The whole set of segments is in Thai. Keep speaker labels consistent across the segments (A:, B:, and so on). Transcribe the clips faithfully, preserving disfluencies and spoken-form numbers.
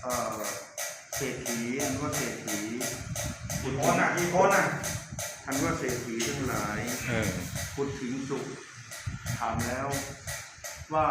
A: เศรษฐีอันว่าเศรษฐี
B: กี่คนอ่ะกี่คนอ่ะ
A: อันว่าเศรษฐีทั้งหลายพุทธิงสุขถามแล้วว่า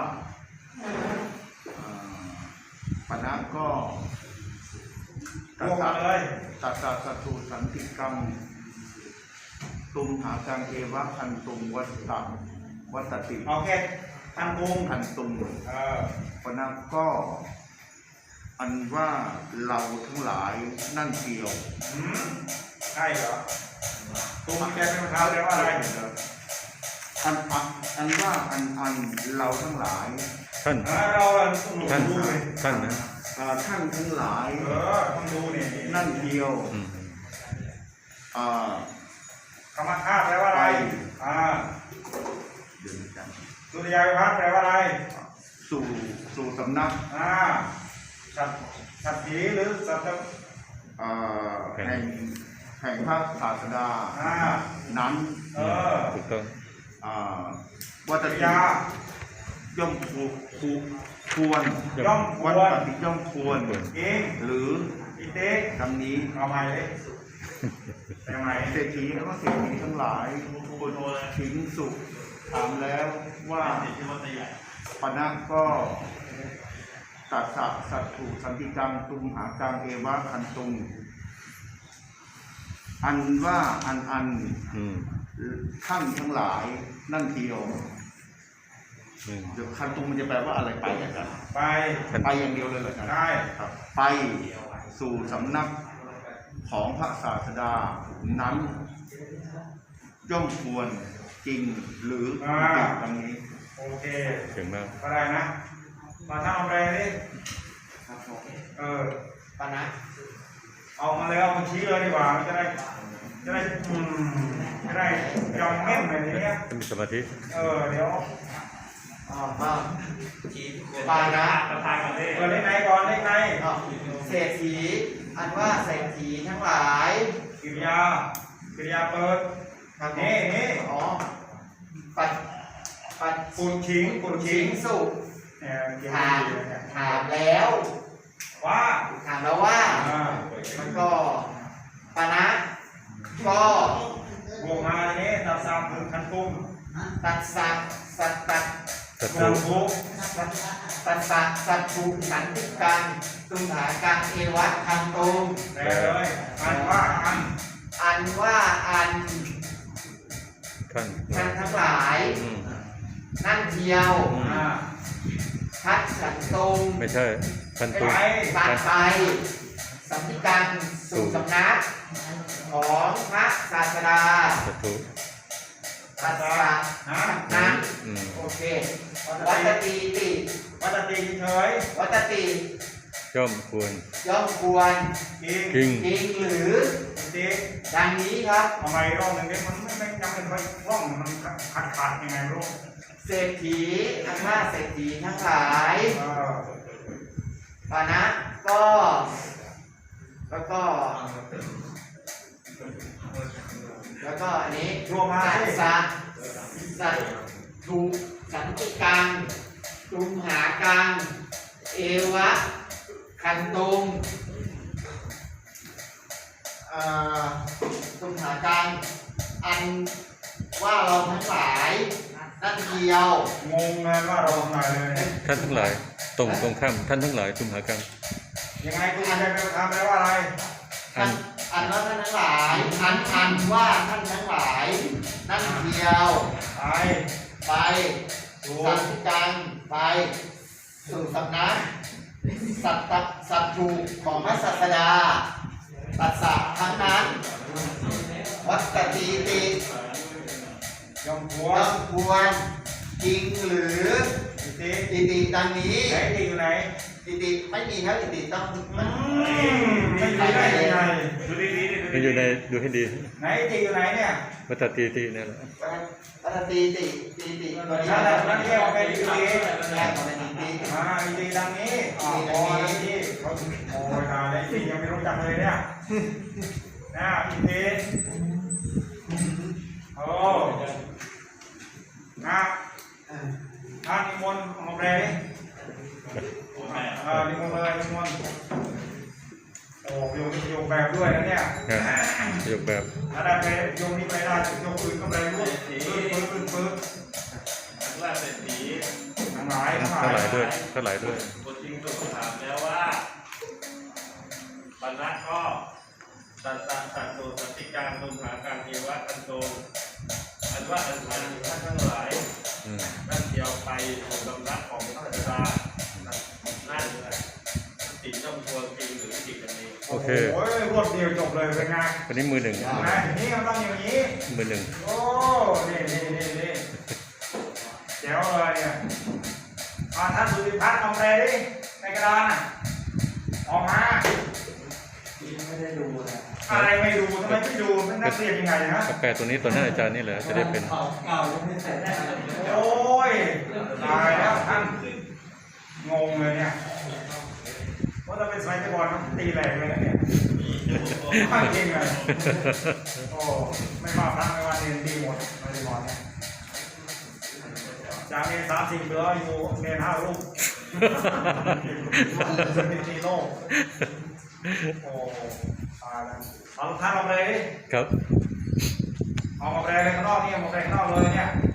A: ปณะก็ตัดตัดตัดตัดสัตถุสันติกรรมตุมหาการเอวะพันตุมวัตตะวัตติ
B: โอเคพันตุม
A: พันตุมปณะก็อันว่าเราทั้งหลายนั่นเกี่ยว
B: ใช่เหรอตุมแกเป็นคำแปลว่าอะไร
A: อันอันว่าอันอันเราทั้งหลาย
C: ท่าน
B: เรา
C: ท่านท่านนะ
A: ท่านทั้งหลาย
B: เออต้องดูนี่
A: นั่นเดียว
B: คำว่าธาตุแปลว่าอะไรอ่าสุริยาวิภัตแปลว่าอะไร
A: สู่สู่สำนัก
B: อ่าสัตสัตถีหรือสัตว์
A: แห่งแห่งพระศาสดานั้น
B: เออ
C: ถูกต้อง
A: วัตยาย่อมคูควร
B: ย่อมควร
A: วัตติย่อมควร
B: เอง
A: หรือ
B: อิเต
A: ดังนี้
B: เอาใหม่เลยเอาใหม่
A: เศรษฐีแล้วก็เศรษฐีทั้งหลายคนถึงสุขถามแล้วว่าปณะก็ตัสสะสัตถุสันติกังตุมหากังเอวะคันตุงอันว่าอันอันท่านทั้งหลายนั่นเดียวเดี๋ยวคันตุงมันจะแปลว่าอะไรไปอย่างนั้น
B: ไป
A: ไปอย่างเดียวเลยเหรอครับ
B: ใช่
A: ครับไปสู่สำนักของพระศาสดานั้นย่อมควรจริงหรือผิดดังนี้
B: โอเค
C: ถึงมาก
B: ก็ได้นะมาทำอะไรนี่เออ
D: ปณะ
B: เอามาเลยเอามาชี้เลยดีกว่าจะได้จะได้อืมจะได้ยอมแม่นแบบนี้เนี่ย
C: มีสมาธิ
B: เออเดี๋ยว
D: อ๋อมาปานะ
B: ประธานก่อนเลยเปิดเลขไหนก่อนเลขไหน
D: เศรษฐีอันว่าเศรษฐีทั้งหลาย
B: กิริยากิริยาเปิดนี่นี่
D: อ๋อปัดปัด
B: ปุถชิงปุถชิง
D: สุถามถามแล้ว
B: ว่า
D: ถามแล้วว่ามันก็ปณะก็
B: บวกมาเนี่ยตัดสามถึงคันตุ้ม
D: ตัดสัตสัตตัด
C: สัต
B: ถุ
D: ตัดสัตสัตถุสันติกังตุมหากังเอวะคันตุม
B: แปลเลยอันว่าอัน
D: อันว่าอัน
C: ท่าน
D: ท่านทั้งหลายนั่นเที่ยวพัดสันตุง
C: ไม่ใช่พันตุง
D: ตัดไปสันติกังสู่สำนักของพระศาสดา
C: สัตถุ
D: ตัดสัตนั้นโอเควัตติติ
B: วัตติเฉย
D: วัตติ
C: ย่อมควร
D: ย่อมควร
B: จริง
C: จริง
D: จริงหรือ
B: จริง
D: ดังนี้ครับ
B: ทำไมร่องหนึ่งนี้มันไม่ไม่จำเป็นว่าร่องมันขาดขาดยังไงร่อง
D: เศรษฐีอันว่าเศรษฐีทั้งหลายปณะก็แล้วก็แล้วก็อันนี้
B: รวมมา
D: สัตสัตถุสันติกังตุมหากังเอวะคันตุงตุมหากังอันว่าเราทั้งหลายนั่นเดียว
B: งงเลยว่าเราทั้งหลายเลย
C: ท่านทั้งหลายตรงตรงข้ามท่านทั้งหลายตุมหากัง
B: ยังไงตุมหากังเป็นคำแปลว่าอะไร
D: อันอันว่าท่านทั้งหลายอันอันว่าท่านทั้งหลายนั่นเดียว
B: ไป
D: ไปสัตติกังไปสู่สำนักสัตตสัตถุของพระศาสดาตัดสัตทั้งนั้นวัตติติ
B: ย่อมควร
D: ย่อมควรจริงหรือ
B: อิติ
D: อิติดังนี้
B: ไหนอิติอยู่ไหน
D: อิติไม่มีครับอิติต้อง
B: มันไม่มีได้ยังไงดูดีดี
C: มันอยู่ในดูให้ดี
B: ไหนอิติอยู่ไหนเนี่ย
C: วัตติตินี่แหละ
D: วัตติติติติ
B: ตัวนี้นั่นนั่นเรียกว่าเป็นอิติ
D: แยกเป็นอิติ
B: อ่าอิติดังนี้อ๋ออิติเขาโอ้ยตายเลยอิติยังไม่รู้จักเลยเนี่ยนะอิติโอ้นะท่านนิมนต์มาแปลดิอ่านิมนต์เลยนิมนต์แบบด้วยนะเนี่ย
C: ครับยกแบบ
B: ถ้าได้ไปยกนี้ไปได้ยกอื่นก็ไปรู้ปึ๊บปึ๊บปึ๊บปึ๊บ
E: อันว่าเศรษฐี
B: ทั้งหลายทั้งหลา
C: เท่าย ไหร่ด้วยเท่าไหร่ด้วย
E: บทจริงสุดถามแล้วว่าปัญหาข้อสัตตะสัตตุสัตติการตุมหาการเทวะอันโตอันว่าอันอันท่านทั้งหลาย
C: อืม
E: นั่นเดียวไปสู่สำนักของพระบิดานั่นเลยติดต้องควรจริงหรือติดกันนี้
C: โอเค
B: โอ้ยรวดเดียวจบเลยเป็นไง
C: วันนี้มือหนึ่ง
B: นะอย่างนี้มันต้องอย่างนี้
C: มือหนึ่ง
B: โอ้ นี่นี่นี่นี่แจ๋วเลยเนี่ยอ่าท่านสุริพัฒน์เอาแปลดิในกระดานน่ะออกมาไม่ได้ดูนะอะไรไม่ดูทำไมไม่ดูเป็นนักเรียนยังไงนะ
C: กาแฟตัวนี้ตัวหน้าอาจารย์นี่แหละจะได้เป็น
B: โอ้ยตายแล้วท่านงงเลยเนี่ยว่าจะเป็นสมัยตะบอลตีแหลกเลยนะเนี่ยข้างจริงเลยโอ้ไม่ว่าพระไม่ว่าเรียนดีหมดไม่ได้บอลเนี่ยจากเรียนสามสิบเหลืออยู่เรียนห้าลูกเป็นตีโน่โอ้ตายแล้วเอาท่านออกเลยดิ
C: ครับ
B: ออกมาแปลเลยข้างนอกนี่ออกมาแปลข้างนอกเลยเนี่ย